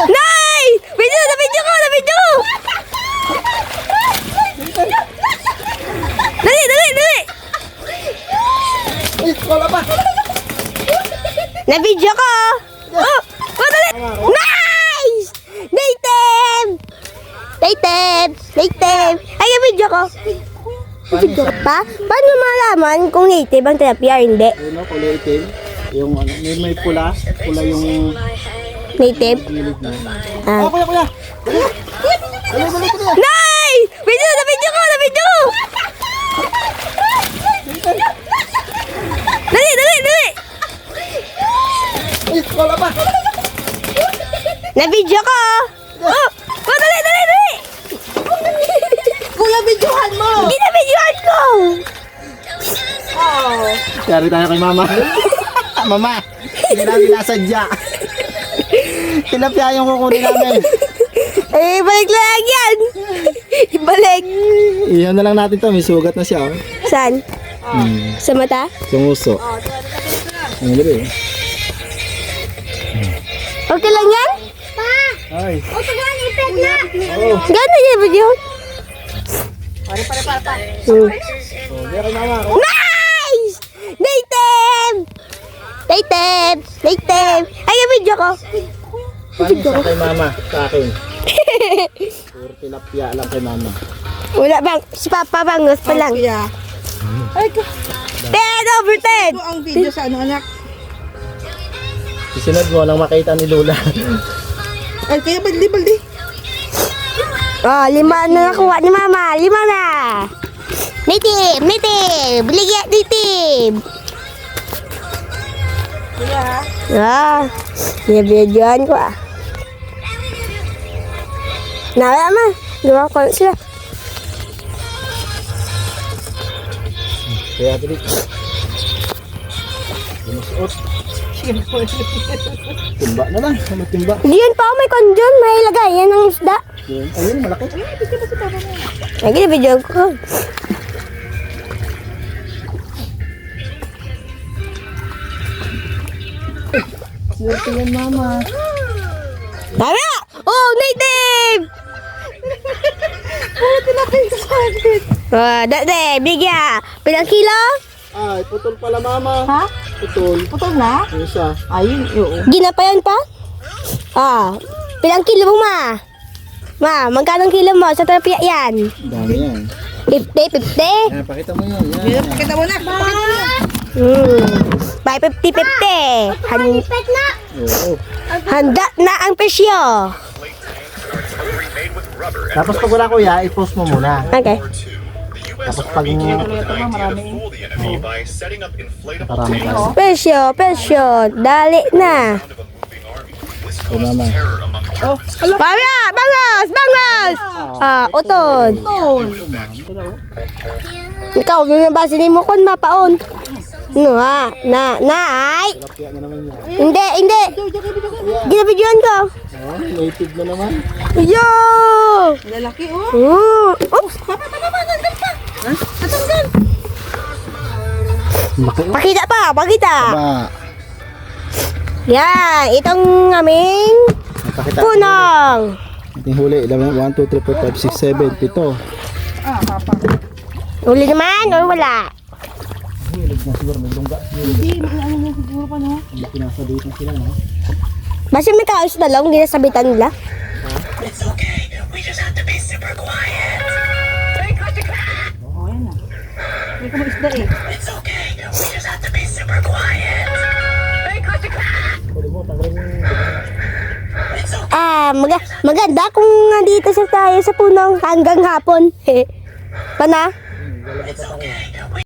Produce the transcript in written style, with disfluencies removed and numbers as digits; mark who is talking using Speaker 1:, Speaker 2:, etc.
Speaker 1: Nay! Video ko! Dali!
Speaker 2: Uy, wala pa.
Speaker 1: Na-video ko! Oh, dali! Nice! Native! Ay, na-video ko! Video ko pa? Paano malaman kung native ang tilapia o hindi?
Speaker 2: Ayun o, kulay itim. Yung ano, may pula. Pula yung
Speaker 1: Native?
Speaker 2: gilid na.
Speaker 1: Ah.
Speaker 2: Kuya. Dali.
Speaker 1: Nay! Na-video ko! Dali!
Speaker 2: Uy, wala pa.
Speaker 1: Na-video ko! Oh, dali!
Speaker 2: Kuya, videohan mo.
Speaker 1: Ginabidyohan ko!
Speaker 2: Kari tayo kay mama. Mama, hindi namin nasadya. Tilapia yung kukunin namin.
Speaker 1: Eh, balik lang yan! Ibalik!
Speaker 2: Iyan na lang natin to, may sugat na siya. Oh.
Speaker 1: Saan? Sa mata?
Speaker 2: Sumuso. Ang gabi.
Speaker 1: Okay lang yan?
Speaker 2: Ay.
Speaker 1: Oh. Gano'n yung video?
Speaker 2: Pare. Kaya kay mama.
Speaker 1: Nice! Native! Ay, yung video ko.
Speaker 2: Paano sa kay mama? Sa akin. Puro tilapia lang kay mama.
Speaker 1: Wala bang, si Papa Bangos pa lang.
Speaker 3: Ay,
Speaker 1: 10 over 10!
Speaker 3: ang video sa ano anak?
Speaker 2: Isunod mo nang makita ni Lola.
Speaker 3: Ay, kaya baldi.
Speaker 1: Oh, 5 na nakuha ni Mama. 5 na. Native! Biligyan native!
Speaker 3: Kuya,
Speaker 1: Ah, binibidyohan ko ah. Nawala ma. Gawa ko lang sila.
Speaker 2: Kaya dali. Sinusuot. Timba na lang. Ano timba?
Speaker 1: Diyan pa may kondyon. May lagayan ng isda.
Speaker 2: Yun. Ayun, malaki.
Speaker 1: Ay, binibidyohan ko.
Speaker 2: Swerte yan, mama.
Speaker 1: Tama! Oh, native! Dati, bigya. Pilang kilo?
Speaker 2: Ay, putol pala, mama.
Speaker 3: ha?
Speaker 2: Putol.
Speaker 3: Putol na?
Speaker 2: Yung isa.
Speaker 3: Ayun, oo.
Speaker 1: Ginapayan pa? Ah, pilang kilo mo ma? Ma, magkano kilo mo sa terapia yan?
Speaker 2: Dami yan.
Speaker 1: 50?
Speaker 2: Yan, pakita mo yun. Yan.
Speaker 3: Pakita mo na.
Speaker 1: By 50-50.
Speaker 2: Oo.
Speaker 1: Handa na ang presyo.
Speaker 2: Tapos pag wala kuya, i-post mo muna.
Speaker 1: Okay.
Speaker 2: Tapos pag marami tayo.
Speaker 1: Presyo. Dali na.
Speaker 2: Ito mama.
Speaker 1: Pamya, bangos! Ah, utod. Ikaw, binabasa ni mo kung mapaon. No ha? Ay!
Speaker 2: Tilapia na naman yan.
Speaker 1: Hindi. Ginabidyohan ko.
Speaker 2: Oh, native na naman.
Speaker 1: Yo!
Speaker 3: Lalaki, oh.
Speaker 1: Oops!
Speaker 2: Laki.
Speaker 1: Pakita.
Speaker 2: Ba,
Speaker 1: Yan, itong aming
Speaker 2: nakakita.
Speaker 1: punong.
Speaker 2: Ating huli. 1, 2, 3, 4, 5, 6, 7, 7.
Speaker 3: Ah, papa.
Speaker 1: Uli naman o wala?
Speaker 2: Hilig na siguro. May lungga.
Speaker 3: Hindi, ano mo siguro pa, no?
Speaker 2: Hindi pinasabit na sila, no?
Speaker 1: Basta may kaos na lang, hindi nasabitan nila.
Speaker 3: Oo, yan na. Hindi ko maisda eh.
Speaker 1: Maganda kung nandito sa tayo sa punong hanggang hapon. Pana?